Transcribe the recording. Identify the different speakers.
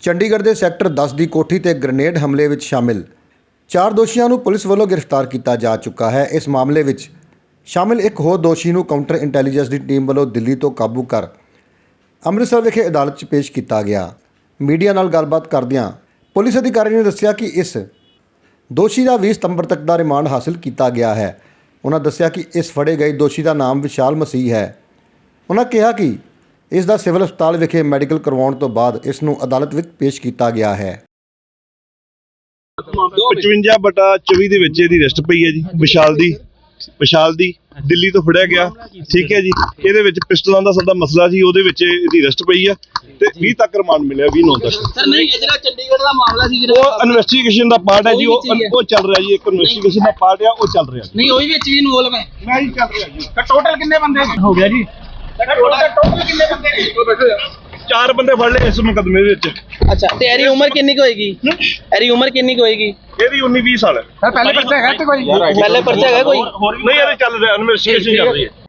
Speaker 1: ਚੰਡੀਗੜ੍ਹ ਦੇ ਸੈਕਟਰ 10 ਦੀ ਕੋਠੀ ਤੇ ਗ੍ਰੇਨੇਡ ਹਮਲੇ ਵਿੱਚ ਸ਼ਾਮਿਲ 4 ਦੋਸ਼ੀਆਂ ਨੂੰ ਪੁਲਿਸ ਵੱਲੋਂ ਗ੍ਰਿਫਤਾਰ ਕੀਤਾ ਜਾ ਚੁੱਕਾ ਹੈ। ਇਸ ਮਾਮਲੇ ਵਿੱਚ ਸ਼ਾਮਿਲ ਇੱਕ ਹੋਰ ਦੋਸ਼ੀ ਨੂੰ ਕਾਊਂਟਰ ਇੰਟੈਲੀਜੈਂਸ ਦੀ ਟੀਮ ਵੱਲੋਂ ਦਿੱਲੀ ਤੋਂ ਕਾਬੂ ਕਰ ਅੰਮ੍ਰਿਤਸਰ ਵਿਖੇ ਅਦਾਲਤ 'ਚ ਪੇਸ਼ ਕੀਤਾ ਗਿਆ। ਮੀਡੀਆ ਨਾਲ ਗੱਲਬਾਤ ਕਰਦਿਆਂ ਪੁਲਿਸ ਅਧਿਕਾਰੀ ਨੇ ਦੱਸਿਆ ਕਿ ਇਸ ਦੋਸ਼ੀ ਦਾ 20 ਸਤੰਬਰ ਤੱਕ ਦਾ ਰਿਮਾਂਡ ਹਾਸਲ ਕੀਤਾ ਗਿਆ ਹੈ। ਉਹਨਾਂ ਦੱਸਿਆ ਕਿ ਇਸ ਫੜੇ ਗਏ ਦੋਸ਼ੀ ਦਾ ਨਾਮ ਵਿਸ਼ਾਲ ਮਸੀਹ ਹੈ। ਉਹਨਾਂ ਕਿਹਾ ਕਿ ਇਸ ਦਾ ਸਿਵਲ ਹਸਪਤਾਲ ਵਿਖੇ ਮੈਡੀਕਲ ਕਰਵਾਉਣ ਤੋਂ ਬਾਅਦ ਇਸ ਨੂੰ ਅਦਾਲਤ ਵਿੱਚ ਪੇਸ਼ ਕੀਤਾ ਗਿਆ ਹੈ।
Speaker 2: 55/24 ਦੇ ਵਿੱਚ ਇਹਦੀ ਅਰੈਸਟ ਪਈ ਹੈ ਜੀ। ਵਿਸ਼ਾਲ ਦੀ ਦਿੱਲੀ ਤੋਂ ਫੜਿਆ ਗਿਆ। ਠੀਕ ਹੈ ਜੀ। ਇਹਦੇ ਵਿੱਚ ਪਿਸਟਲਾਂ ਦਾ ਸਾਡਾ ਮਸਲਾ ਸੀ, ਉਹਦੇ ਵਿੱਚ ਇਹਦੀ ਅਰੈਸਟ ਪਈ ਆ ਤੇ 20 ਤੱਕ ਰਿਮਾਂਡ ਮਿਲਿਆ, 20/9 ਤੱਕ।
Speaker 3: ਸਰ ਨਹੀਂ, ਇਹ ਜਿਹੜਾ ਚੰਡੀਗੜ੍ਹ ਦਾ ਮਾਮਲਾ ਸੀ
Speaker 2: ਉਹ ਇਨਵੈਸਟੀਗੇਸ਼ਨ ਦਾ ਪਾਰਟ ਹੈ ਜੀ। ਉਹ ਚੱਲ ਰਿਹਾ ਜੀ। ਇੱਕ ਇਨਵੈਸਟੀਗੇਸ਼ਨ ਦਾ ਪਾਰਟ ਆ, ਉਹ ਚੱਲ ਰਿਹਾ ਜੀ।
Speaker 3: ਨਹੀਂ, ਉਹਦੇ ਵਿੱਚ ਵੀ ਇਨਵੋਲਵ ਹੈ।
Speaker 2: ਮੈਂ ਜੀ ਚੱਲ ਰਿਹਾ ਜੀ।
Speaker 3: ਟੋਟਲ ਕਿੰਨੇ ਬੰਦੇ ਹੋ ਗਿਆ ਜੀ? ਟੋਟਲ ਕਿੰਨੇ ਬੰਦੇ?
Speaker 2: 4 ਬੰਦੇ ਫੜ ਲਏ ਇਸ ਮੁਕੱਦਮੇ ਵਿੱਚ।
Speaker 3: ਅੱਛਾ, ਤੇ ਇਹਦੀ ਉਮਰ ਕਿੰਨੀ ਕੁ ਹੋਏਗੀ? ਇਹਦੀ ਉਮਰ ਕਿੰਨੀ ਕੁ ਹੋਏਗੀ?
Speaker 2: ਇਹਦੀ 19-20 ਸਾਲ ਹੈ।
Speaker 3: ਸਰ ਪਹਿਲੇ ਪਰਚਾ ਹੈਗਾ ਤੇ ਕੋਈ? ਪਹਿਲੇ ਪਰਚਾ ਹੈਗਾ ਕੋਈ?
Speaker 2: ਨਹੀਂ, ਇਹਦੇ ਚੱਲ ਰਿਹਾ, ਇਨਵੈਸਟੀਗੇਸ਼ਨ ਚੱਲ ਰਹੀ ਹੈ।